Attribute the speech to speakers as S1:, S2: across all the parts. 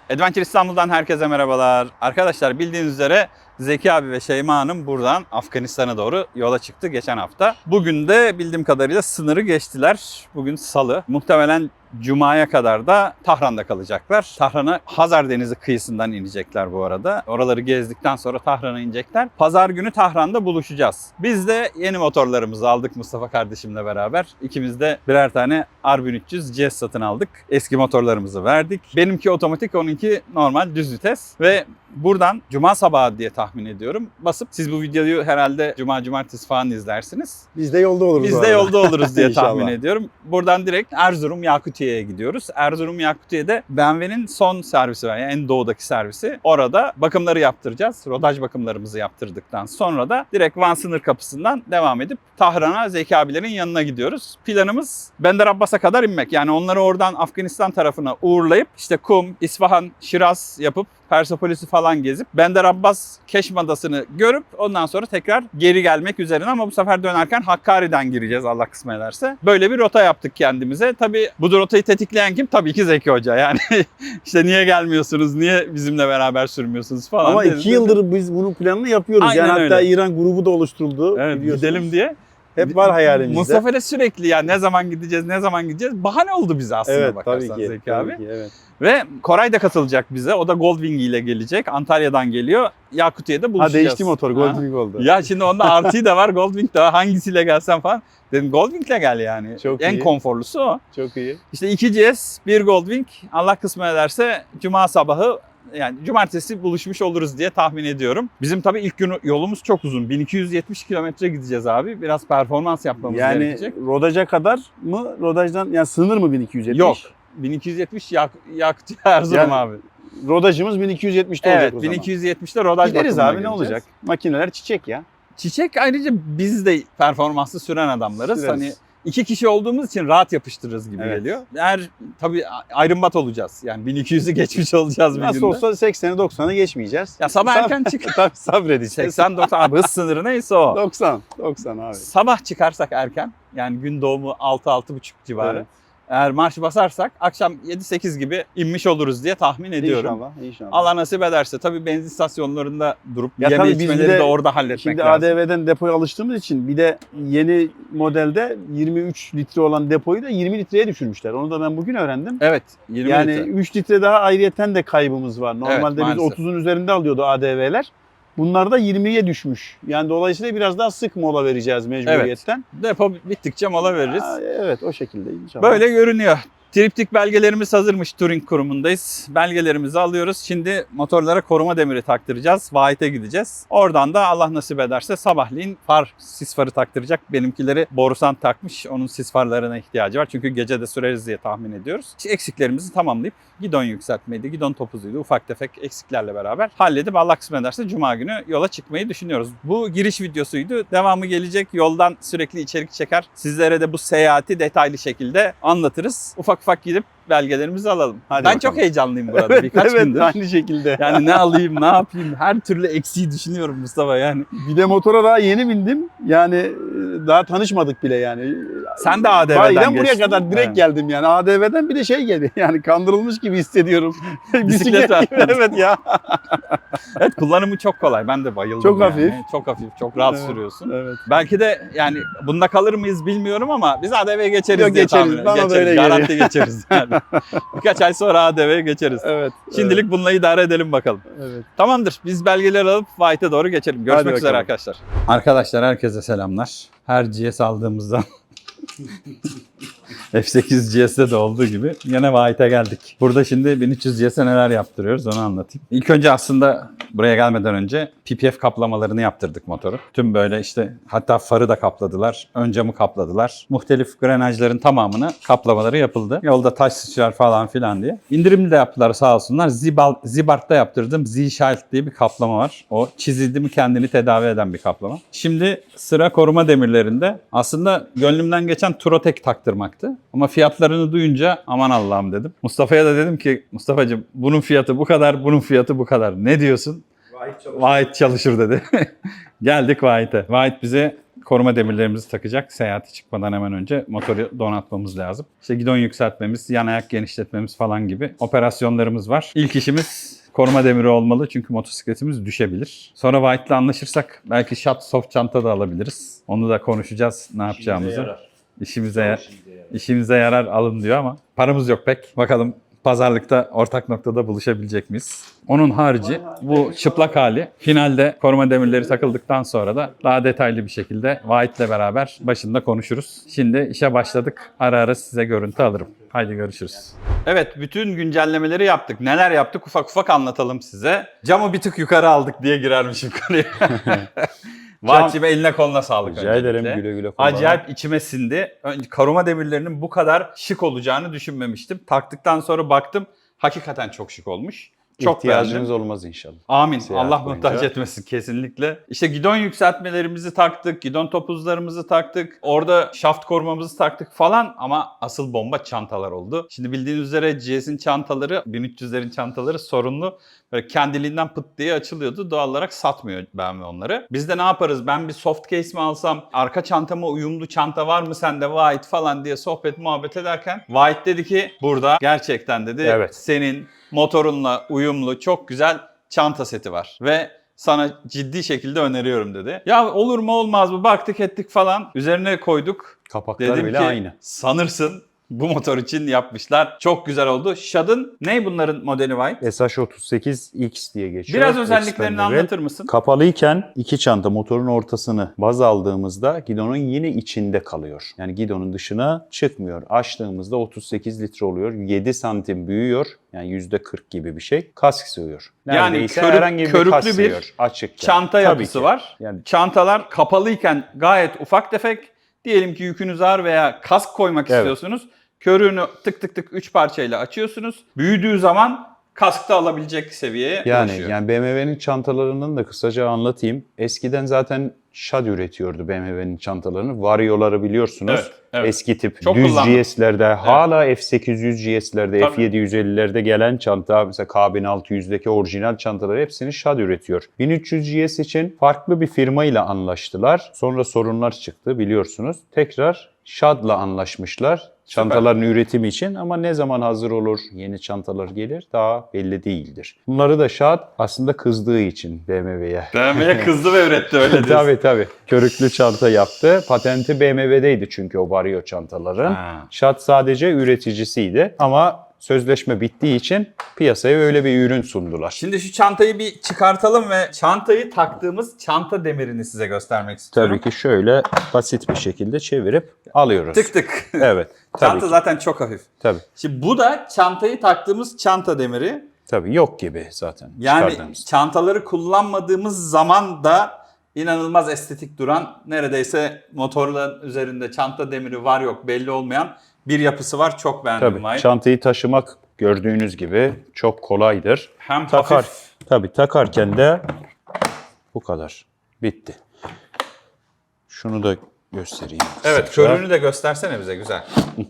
S1: Adventure İstanbul'dan herkese merhabalar. Arkadaşlar bildiğiniz üzere Zeki abi ve Şeyma Hanım buradan Afganistan'a doğru yola çıktı geçen hafta. Bugün de bildiğim kadarıyla sınırı geçtiler. Bugün Salı. Muhtemelen Cuma'ya kadar da Tahran'da kalacaklar. Tahran'a Hazar Denizi kıyısından inecekler bu arada. Oraları gezdikten sonra Tahran'a inecekler. Pazar günü Tahran'da buluşacağız. Biz de yeni motorlarımızı aldık Mustafa kardeşimle beraber. İkimiz de birer tane R1300 GS satın aldık. Eski motorlarımızı verdik. Benimki otomatik, onunki normal düz vites. Ve buradan Cuma sabahı diye tahmin ediyorum. Basıp siz bu videoyu herhalde Cuma, Cumartesi falan izlersiniz.
S2: Biz de yolda oluruz.
S1: Biz de yolda oluruz diye
S2: İnşallah.
S1: tahmin ediyorum. Buradan direkt Erzurum Yakutiye'ye gidiyoruz. Erzurum Yakutiye'de BMW'nin son servisi var. Yani en doğudaki servisi. Orada bakımları yaptıracağız. Rodaj bakımlarımızı yaptırdıktan sonra da direkt Van sınır kapısından devam edip Tahran'a Zeki abilerin yanına gidiyoruz. Planımız Bandar Abbas'a kadar inmek. Yani onları oradan Afganistan tarafına uğurlayıp işte Kum, İsfahan, Şiraz yapıp Persepolis'i falan gezip Bandar Abbas Keşm Adası'nı görüp ondan sonra tekrar geri gelmek üzerine, ama bu sefer dönerken Hakkari'den gireceğiz Allah kısmet ederse. Böyle bir rota yaptık kendimize. Tabii bu rotayı tetikleyen kim? Tabii ki Zeki Hoca. Yani işte niye gelmiyorsunuz, niye bizimle beraber sürmüyorsunuz falan.
S2: Ama 2 yıldır biz bunun planını yapıyoruz.
S1: Aynen
S2: yani
S1: öyle.
S2: hatta İran grubu da oluşturuldu.
S1: Evet, gidelim diye.
S2: Hep var hayalimizde.
S1: Mustafa ile sürekli ya ne zaman gideceğiz. Bahane oldu bize aslında,
S2: evet,
S1: bakarsan
S2: tabii ki,
S1: Zeki abi.
S2: tabii ki, evet.
S1: Ve Koray da katılacak bize. O da Goldwing ile gelecek. Antalya'dan geliyor. Yakutiye'de buluşacağız.
S2: Ha, değişti motor. Goldwing oldu.
S1: Ya şimdi onda RT de var, Goldwing de var. Hangisiyle gelsen falan. Dedim Goldwing'le gel yani.
S2: Çok
S1: en
S2: iyi.
S1: konforlusu o.
S2: Çok iyi.
S1: İşte 2 GS, 1 Goldwing. Allah kısmet ederse Cuma sabahı, yani cumartesi buluşmuş oluruz diye tahmin ediyorum. Bizim tabii ilk gün yolumuz çok uzun. 1270 kilometre gideceğiz abi. Biraz performans yapmamız gerekecek.
S2: Yani rodaja kadar mı? Rodajdan yani sınır mı 1270?
S1: Yok. 1270 yaktı Erzurum
S2: Yani
S1: abi.
S2: Rodajımız 1270'te olacak o
S1: Evet,
S2: zaman.
S1: 1270'te rodaj
S2: Gideriz
S1: bakımına
S2: abi, ne
S1: gireceğiz.
S2: olacak? Makineler çiçek ya.
S1: Çiçek, ayrıca biz de performanslı süren adamlarız.
S2: Süreriz.
S1: Hani 2 kişi olduğumuz için rahat yapıştırırız gibi
S2: Evet.
S1: geliyor. Eğer tabii ayrımbat olacağız. Yani 1200'ü geçmiş olacağız bir
S2: Nasıl
S1: günde.
S2: olsa 80'i 90'ı geçmeyeceğiz.
S1: Ya sabah erken çık.
S2: Tabii sabredeceğiz.
S1: 80-90 abi, hız sınırı neyse o.
S2: 90 abi.
S1: Sabah çıkarsak erken, yani gün doğumu 6-6.30 civarı.
S2: Evet.
S1: Eğer marş basarsak akşam 7-8 gibi inmiş oluruz diye tahmin ediyorum.
S2: İnşallah.
S1: Allah nasip ederse tabii benzin istasyonlarında durup
S2: Ya
S1: yeme
S2: tabii biz
S1: içmeleri
S2: bir de
S1: de orada halletmek
S2: Şimdi
S1: lazım.
S2: ADV'den depoya alıştığımız için bir de yeni modelde 23 litre olan depoyu da 20 litreye düşürmüşler. Onu da ben bugün öğrendim.
S1: Evet, 20
S2: Yani
S1: litre.
S2: 3 litre daha ayrıyeten de kaybımız var. Normalde biz
S1: maalesef.
S2: 30'un üzerinde alıyordu ADV'ler. Bunlar da 20'ye düşmüş. Yani dolayısıyla biraz daha sık mola vereceğiz mecburiyetten.
S1: Depo bittikçe mola veririz.
S2: Evet, o şekilde inşallah.
S1: Böyle görünüyor. Triptik belgelerimiz hazırmış. Touring kurumundayız. Belgelerimizi alıyoruz. Şimdi motorlara koruma demiri taktıracağız. Vahit'e gideceğiz. Oradan da Allah nasip ederse sabahleyin sis farı taktıracak. Benimkileri borusan takmış. Onun sis farlarına ihtiyacı var. Çünkü gece de süreriz diye tahmin ediyoruz. İşte eksiklerimizi tamamlayıp gidon yükseltmeydi, gidon topuzuydu. Ufak tefek eksiklerle beraber halledip Allah kısmet ederse Cuma günü yola çıkmayı düşünüyoruz. Bu giriş videosuydu. Devamı gelecek. Yoldan sürekli içerik çeker. Sizlere de bu seyahati detaylı şekilde anlatırız. Ufak ufak gidip belgelerimizi alalım.
S2: Hadi
S1: ben
S2: bakalım.
S1: çok heyecanlıyım burada. Birkaç
S2: evet,
S1: gündür.
S2: aynı şekilde.
S1: Yani ne alayım, ne yapayım? Her türlü eksiği düşünüyorum Mustafa yani.
S2: Bir de motora daha yeni bindim. Yani daha tanışmadık bile yani.
S1: Sen de ADV'den
S2: Bayiden buraya
S1: geçtin.
S2: kadar direkt
S1: Evet.
S2: geldim yani. ADV'den bir de şey geldi. Yani kandırılmış gibi hissediyorum.
S1: Bisiklet var.
S2: Evet ya.
S1: Evet, kullanımı çok kolay. Ben de bayıldım.
S2: Çok
S1: yani.
S2: hafif.
S1: Çok hafif, çok rahat
S2: Evet,
S1: sürüyorsun.
S2: Evet.
S1: Belki de yani bunda kalır mıyız bilmiyorum ama biz ADV'ye geçeriz
S2: Yok,
S1: diye
S2: geçeriz.
S1: tahmin
S2: Bana da
S1: ediyorum.
S2: öyle
S1: Geçeriz.
S2: geliyor.
S1: Garanti geçeriz yani. Birkaç ay sonra ADV'ye geçeriz.
S2: Evet.
S1: Şimdilik bununla idare edelim bakalım.
S2: Evet.
S1: Tamamdır. Biz belgeleri alıp White'e doğru geçelim. Görüşmek
S2: Hadi
S1: üzere
S2: bakalım.
S1: arkadaşlar. Arkadaşlar herkese selamlar. Her GS aldığımızda F8 GS'de de olduğu gibi yine White'e geldik. Burada şimdi 1300 GS'e neler yaptırıyoruz onu anlatayım. İlk önce aslında buraya gelmeden önce PPF kaplamalarını yaptırdık motoru. Tüm böyle işte hatta farı da kapladılar. Ön camı kapladılar. Muhtelif grenajların tamamını kaplamaları yapıldı. Yolda taş sıçrar falan filan diye. İndirimli de yaptılar sağ olsunlar. Zibart'ta yaptırdığım Z-Shield diye bir kaplama var. O çizildi mi kendini tedavi eden bir kaplama. Şimdi sıra koruma demirlerinde. Aslında gönlümden geçen Turotek taktırmaktı. Ama fiyatlarını duyunca aman Allah'ım dedim. Mustafa'ya da dedim ki Mustafa'cığım bunun fiyatı bu kadar, bunun fiyatı bu kadar. Ne diyorsun? Vahit çalışır dedi. Geldik Vahit'e. Vahit bize koruma demirlerimizi takacak. Seyahate çıkmadan hemen önce motoru donatmamız lazım. İşte gidon yükseltmemiz, yan ayak genişletmemiz falan gibi operasyonlarımız var. İlk işimiz koruma demiri olmalı çünkü motosikletimiz düşebilir. Sonra White'la anlaşırsak belki shot soft çanta da alabiliriz. Onu da konuşacağız ne yapacağımızı. İşimize yarar alın diyor ama paramız yok pek. Bakalım pazarlıkta ortak noktada buluşabilecek miyiz? Onun harici bu çıplak hali. Finalde koruma demirleri takıldıktan sonra da daha detaylı bir şekilde White ile beraber başında konuşuruz. Şimdi işe başladık. Ara ara size görüntü alırım. Haydi görüşürüz. Evet, bütün güncellemeleri yaptık. Neler yaptık ufak ufak anlatalım size. Camı bir tık yukarı aldık diye girermişim konuya. Vahçime eline koluna sağlık.
S2: Rica ederim, güle güle kullan.
S1: Acayip içime sindi. Koruma demirlerinin bu kadar şık olacağını düşünmemiştim. Taktıktan sonra baktım hakikaten çok şık olmuş. Çok
S2: İhtiyacınız
S1: beğendim.
S2: olmaz inşallah.
S1: Amin.
S2: Seyahat
S1: Allah
S2: boyunca.
S1: muhtaç etmesin kesinlikle. İşte gidon yükseltmelerimizi taktık, gidon topuzlarımızı taktık, orada şaft korumamızı taktık falan ama asıl bomba çantalar oldu. Şimdi bildiğiniz üzere GS'in çantaları, 1300'lerin çantaları sorunlu. Böyle kendiliğinden pıt diye açılıyordu. Doğal olarak satmıyor BMW onları. Biz de ne yaparız? Ben bir soft case mi alsam? Arka çantama uyumlu çanta var mı sende White falan diye sohbet muhabbet ederken White dedi ki burada gerçekten dedi
S2: Evet.
S1: senin motorunla uyumlu çok güzel çanta seti var. Ve sana ciddi şekilde öneriyorum dedi. Ya olur mu olmaz mı baktık ettik falan. Üzerine koyduk.
S2: Kapaklar
S1: Dedim
S2: bile
S1: ki
S2: aynı.
S1: sanırsın bu motor için yapmışlar. Çok güzel oldu. Shad'ın ne bunların modeli White?
S2: SH38X diye geçiyor.
S1: Biraz özelliklerini
S2: Expandable.
S1: anlatır mısın?
S2: Kapalıyken iki çanta motorun ortasını baz aldığımızda gidonun yine içinde kalıyor. Yani gidonun dışına çıkmıyor. Açtığımızda 38 litre oluyor. 7 santim büyüyor. Yani %40 gibi bir şey. Kask sığıyor.
S1: Yani
S2: Neredeyse herhangi bir
S1: körüklü
S2: kask
S1: bir
S2: sığıyor. Açıkken.
S1: çanta
S2: Tabii
S1: yapısı
S2: ki.
S1: var.
S2: Yani
S1: Çantalar kapalıyken gayet ufak tefek. Diyelim ki yükünüz ağır veya kask koymak
S2: Evet.
S1: istiyorsunuz. Körüğünü tık tık tık 3 parçayla açıyorsunuz. Büyüdüğü zaman kaskta alabilecek seviyeye ulaşıyor.
S2: Yani BMW'nin çantalarının da kısaca anlatayım. Eskiden zaten Shad üretiyordu BMW'nin çantalarını. Vario'ları biliyorsunuz.
S1: Evet, evet.
S2: Eski tip
S1: Çok
S2: düz
S1: kullandım.
S2: GS'lerde, hala F800 GS'lerde,
S1: Tabii.
S2: F750'lerde gelen çanta, mesela K1600'deki orijinal çantaları hepsini Shad üretiyor. 1300 GS için farklı bir firmayla anlaştılar. Sonra sorunlar çıktı biliyorsunuz. Tekrar Shad'la anlaşmışlar. Çantaların üretimi için ama ne zaman hazır olur, yeni çantalar gelir daha belli değildir. Bunları da Shad aslında kızdığı için BMW'ye.
S1: BMW kızdı ve üretti öyle diyorsun.
S2: Tabii. Körüklü çanta yaptı. Patenti BMW'deydi çünkü o Vario çantaların.
S1: Ha.
S2: Shad sadece üreticisiydi ama sözleşme bittiği için piyasaya öyle bir ürün sundular.
S1: Şimdi şu çantayı bir çıkartalım ve çantayı taktığımız çanta demirini size göstermek istiyorum.
S2: Tabii ki şöyle basit bir şekilde çevirip alıyoruz.
S1: Tık tık.
S2: Evet. Tabii
S1: Çanta
S2: ki.
S1: zaten çok hafif.
S2: Tabii.
S1: Şimdi bu da çantayı taktığımız çanta demiri.
S2: Tabii yok gibi zaten.
S1: Yani
S2: çıkardığımız.
S1: çantaları kullanmadığımız zaman da inanılmaz estetik duran, neredeyse motorların üzerinde çanta demiri var yok belli olmayan bir yapısı var. Çok beğendim
S2: Tabii.
S1: White.
S2: Çantayı taşımak gördüğünüz gibi çok kolaydır.
S1: Hem
S2: Takar.
S1: hafif.
S2: Tabii takarken de bu kadar. Bitti. Şunu da göstereyim.
S1: Evet,
S2: kısaca.
S1: körüğünü de göstersene bize güzel.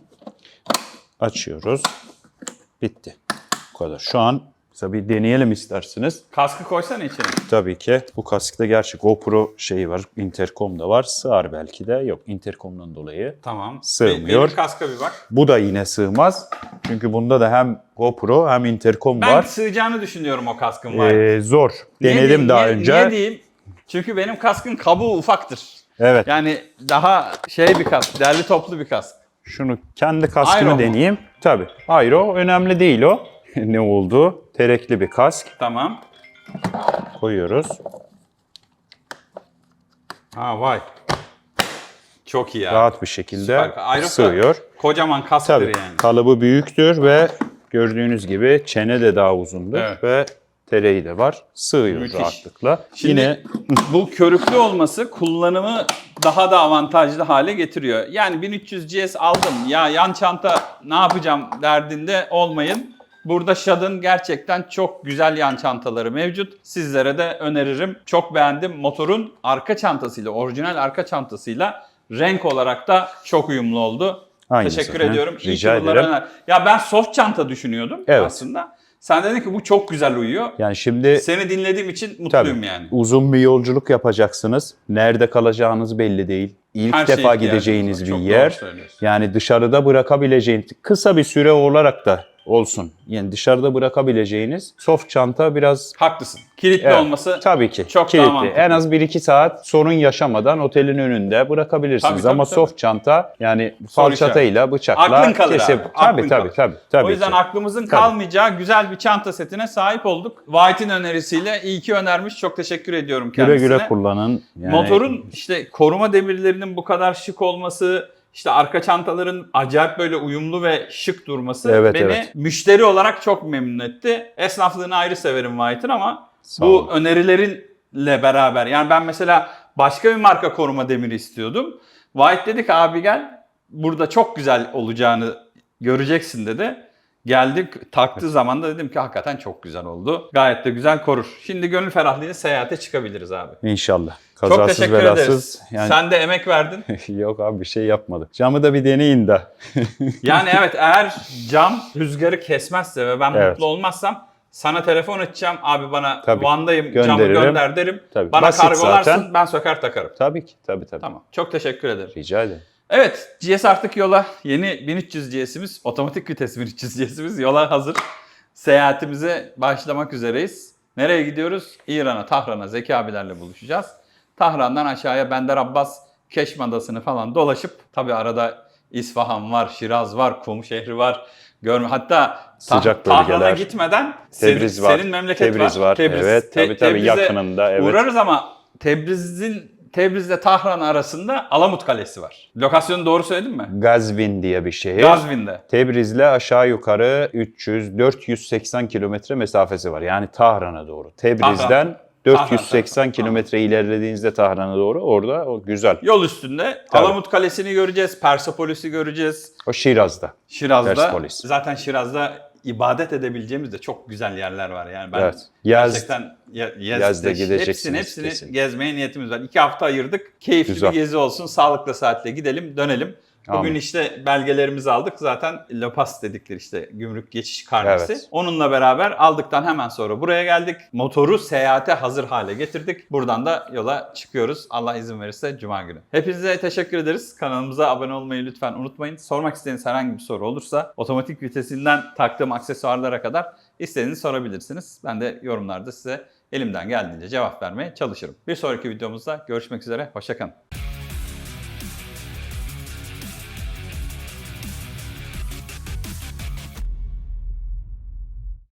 S2: Açıyoruz. Bitti. Bu kadar. Şu an mesela bir deneyelim isterseniz.
S1: Kaskı koysana içine.
S2: Tabii ki. Bu kaskta gerçi GoPro şeyi var. Intercom da var. Sığar belki de. Yok, intercom'dan dolayı.
S1: Tamam.
S2: Sığmıyor.
S1: Benim kaska bir bak.
S2: Bu da yine sığmaz. Çünkü bunda da hem GoPro hem intercom
S1: Ben
S2: var.
S1: sığacağını düşünüyorum o kaskın White.
S2: Zor.
S1: Niye
S2: Denedim
S1: diyeyim,
S2: daha
S1: niye-
S2: önce.
S1: Niye diyeyim? Çünkü benim kaskın kabuğu ufaktır.
S2: Evet.
S1: Yani daha bir kask, derli toplu bir kask.
S2: Şunu kendi kaskımı
S1: Aero mu?
S2: deneyeyim. Tabii. Aero önemli değil o. Ne oldu? Terekli bir kask.
S1: Tamam.
S2: Koyuyoruz.
S1: Ha vay. Çok iyi ya.
S2: Rahat bir şekilde
S1: Süper. Aeroka
S2: sığıyor.
S1: Kocaman kasktır
S2: Tabii.
S1: yani.
S2: Kalıbı büyüktür ve gördüğünüz gibi çene de daha uzundur
S1: Evet.
S2: ve tereyi de var. Sığıyor
S1: Müthiş.
S2: rahatlıkla.
S1: Şimdi
S2: Yine
S1: bu körüklü olması kullanımı daha da avantajlı hale getiriyor. Yani 1300 GS aldım ya yan çanta ne yapacağım derdinde olmayın. Burada Shad'ın gerçekten çok güzel yan çantaları mevcut. Sizlere de öneririm. Çok beğendim. Motorun arka çantasıyla, orijinal arka çantasıyla renk olarak da çok uyumlu oldu.
S2: Aynı
S1: Teşekkür
S2: zaten.
S1: ediyorum. İyi
S2: Rica
S1: ki bunları
S2: ederim.
S1: Ya ben soft çanta düşünüyordum
S2: Evet.
S1: aslında. Sen dedin ki bu çok güzel uyuyor.
S2: Yani şimdi
S1: Seni dinlediğim için mutluyum
S2: tabii,
S1: yani.
S2: uzun bir yolculuk yapacaksınız. Nerede kalacağınız belli değil. İlk
S1: Her şeye
S2: defa
S1: ihtiyacımız
S2: gideceğiniz
S1: var.
S2: bir
S1: Çok doğru
S2: yer.
S1: söylüyorsun.
S2: Yani dışarıda bırakabileceğiniz, kısa bir süre olarak da olsun. Yani dışarıda bırakabileceğiniz soft çanta biraz
S1: Haklısın. Kilitli
S2: evet,
S1: olması
S2: tabii ki
S1: çok daha
S2: kilitli.
S1: mantıklı.
S2: En az 1-2 saat sorun yaşamadan otelin önünde bırakabilirsiniz.
S1: Tabii,
S2: Ama
S1: tabii.
S2: soft çanta yani
S1: Soru
S2: falçatayla, bıçakla
S1: Aklın kalır
S2: kesip.
S1: abi, aklın
S2: Tabii
S1: kalır. O yüzden
S2: ki.
S1: aklımızın kalmayacağı güzel bir çanta setine sahip olduk. White'in önerisiyle iyi ki önermiş. Çok teşekkür ediyorum
S2: Güle
S1: kendisine.
S2: güle kullanın. Yani
S1: Motorun işte koruma demirlerinin bu kadar şık olması, işte arka çantaların acayip böyle uyumlu ve şık durması
S2: Evet,
S1: beni
S2: evet.
S1: müşteri olarak çok memnun etti. Esnaflığını ayrı severim White'ın ama
S2: Sağ
S1: bu
S2: olun.
S1: önerilerinle beraber yani ben mesela başka bir marka koruma demiri istiyordum. White dedi ki abi gel burada çok güzel olacağını göreceksin dedi. Geldik taktığı zaman da dedim ki hakikaten çok güzel oldu. Gayet de güzel korur. Şimdi gönül ferahlığıyla seyahate çıkabiliriz abi.
S2: İnşallah.
S1: Çok
S2: Kazasız
S1: teşekkür
S2: belasız.
S1: ederiz.
S2: Yani
S1: Sen de emek verdin.
S2: yok abi bir şey yapmadık. Camı da bir deneyin de.
S1: Yani evet eğer cam rüzgarı kesmezse ve ben
S2: Evet.
S1: mutlu olmazsam sana telefon açacağım. Abi bana
S2: Tabii.
S1: Van'dayım camı
S2: Gönderirim.
S1: gönder derim.
S2: Tabii.
S1: Bana
S2: Basit
S1: kargolarsın
S2: zaten.
S1: ben söker takarım.
S2: Tabii ki. Tabii.
S1: Tamam. Çok teşekkür ederim.
S2: Rica ederim.
S1: Evet GS artık yola. Yeni 1300 GS'imiz otomatik vites 1300 GS'imiz yola hazır. Seyahatimize başlamak üzereyiz. Nereye gidiyoruz? İran'a, Tahran'a Zeki abilerle buluşacağız. Tahran'dan aşağıya Bender Abbas, Keşm Adası'nı falan dolaşıp tabii arada İsfahan var, Şiraz var, Kum şehri var. Hatta
S2: Sıcak
S1: Tahran'a
S2: bölgeler.
S1: gitmeden
S2: Tebriz var.
S1: senin memleket
S2: Tebriz
S1: var.
S2: var. Evet, tabii,
S1: Tebriz'e
S2: yakınında, evet.
S1: Uğrarız ama Tebriz'le Tahran arasında Alamut Kalesi var. Lokasyonu doğru söyledim mi?
S2: Gazvin diye bir şehir.
S1: Gazvin'de.
S2: Tebriz'le aşağı yukarı 480 kilometre mesafesi var. Yani Tahran'a doğru. Tebriz'den 480
S1: Tahran.
S2: kilometre ilerlediğinizde Tahran'a doğru orada o güzel.
S1: Yol üstünde
S2: Tabii.
S1: Alamut Kalesi'ni göreceğiz, Persepolis'i göreceğiz.
S2: O Şiraz'da.
S1: Şiraz'da.
S2: Persepolis.
S1: Zaten Şiraz'da ibadet edebileceğimiz de çok güzel yerler var. Yani ben
S2: Evet.
S1: gerçekten
S2: Yaz'da gideceksiniz
S1: hepsini
S2: kesin.
S1: gezmeye niyetimiz var. 2 hafta ayırdık. Keyifli
S2: Güzel.
S1: bir gezi olsun. Sağlıkla saatle gidelim, dönelim. Bugün
S2: Amin.
S1: işte belgelerimizi aldık. Zaten LOPAS dedikleri işte gümrük geçiş karnesi.
S2: Evet.
S1: Onunla beraber aldıktan hemen sonra buraya geldik. Motoru seyahate hazır hale getirdik. Buradan da yola çıkıyoruz. Allah izin verirse Cuma günü. Hepinize teşekkür ederiz. Kanalımıza abone olmayı lütfen unutmayın. Sormak istediğiniz herhangi bir soru olursa otomatik vitesinden taktığım aksesuarlara kadar istediğinizi sorabilirsiniz. Ben de yorumlarda size elimden geldiğince cevap vermeye çalışırım. Bir sonraki videomuzda görüşmek üzere. Hoşça kalın.